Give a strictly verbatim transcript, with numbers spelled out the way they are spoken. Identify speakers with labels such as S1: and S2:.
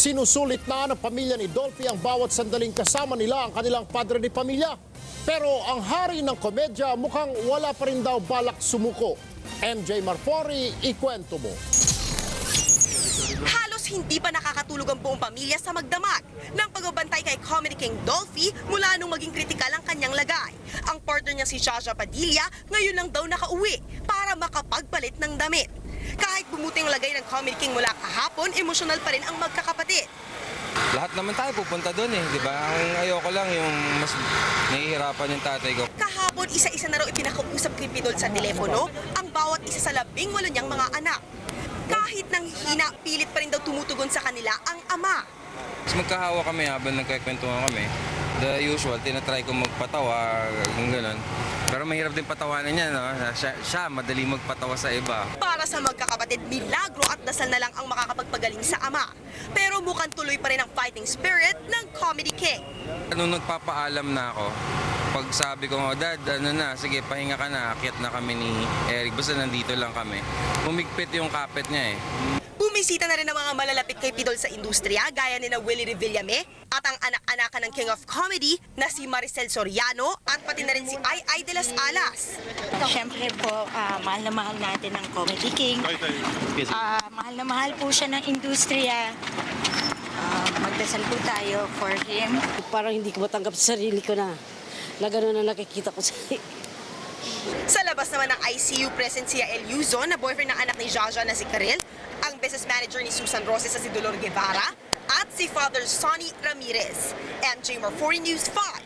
S1: Sinusulit na ng pamilya ni Dolphy ang bawat sandaling kasama nila ang kanilang padre de pamilya. Pero ang hari ng komedya mukhang wala pa rin daw balak sumuko. M J Marfori, ikwento mo.
S2: Halos hindi pa nakakatulog ang buong pamilya sa magdamag ng pagbabantay kay Comedy King Dolphy mula nung maging kritikal ang kanyang lagay. Ang partner niya si Jaja Padilla ngayon lang daw nakauwi para makapagpalit ng damit. Kahit bumuti ang lagay ng Comedy King mula kahapon, emosyonal pa rin ang magkakapatid.
S3: Lahat naman tayo pupunta doon eh, di ba? Ang ayoko lang yung mas nahihirapan yung tatay ko.
S2: Kahapon, isa-isa na raw ipinakausap kay Pidol sa telepono ang bawat isa sa labing walo niyang mga anak. Kahit nang hina, pilit pa rin daw tumutugon sa kanila ang ama.
S3: Mas magkahawa kami habang nagkakwentuhan kami. The usual, tinatry ko magpatawa, yung gano'n. Pero mahirap din patawanan niya, no? Siya, siya madali magpatawa sa iba.
S2: Para sa magkakapatid, milagro at dasal na lang ang makakapagpagaling sa ama. Pero mukhang tuloy pa rin ang fighting spirit ng Comedy King.
S3: Nung nagpapaalam na ako, pag sabi ko, oh, Dad, ano na, sige, pahinga ka na, akyat na kami ni Eric, basta nandito lang kami. Humigpit yung kapit niya eh.
S2: Bumisita na rin ang mga malalapit kay Pidol sa industriya gaya ni na Willie Revillame at ang anak-anakan ng King of Comedy na si Maricel Soriano at pati na rin si Ay Ay de las Alas.
S4: Siyempre po, ah, mahal na mahal natin ang Comedy King. Ah, mahal na mahal po siya ng industriya. Ah, magdasal po tayo for him.
S5: Parang hindi ko matanggap sa sarili ko na na gano'n na nakikita ko sa...
S2: Sa labas naman ng I C U, present si El Yuzon na boyfriend ng anak ni Jaja na si Karel, ang business manager ni Susan Roses sa si Dolor Guevara, at si Father Sonny Ramirez. M J Marfori News five.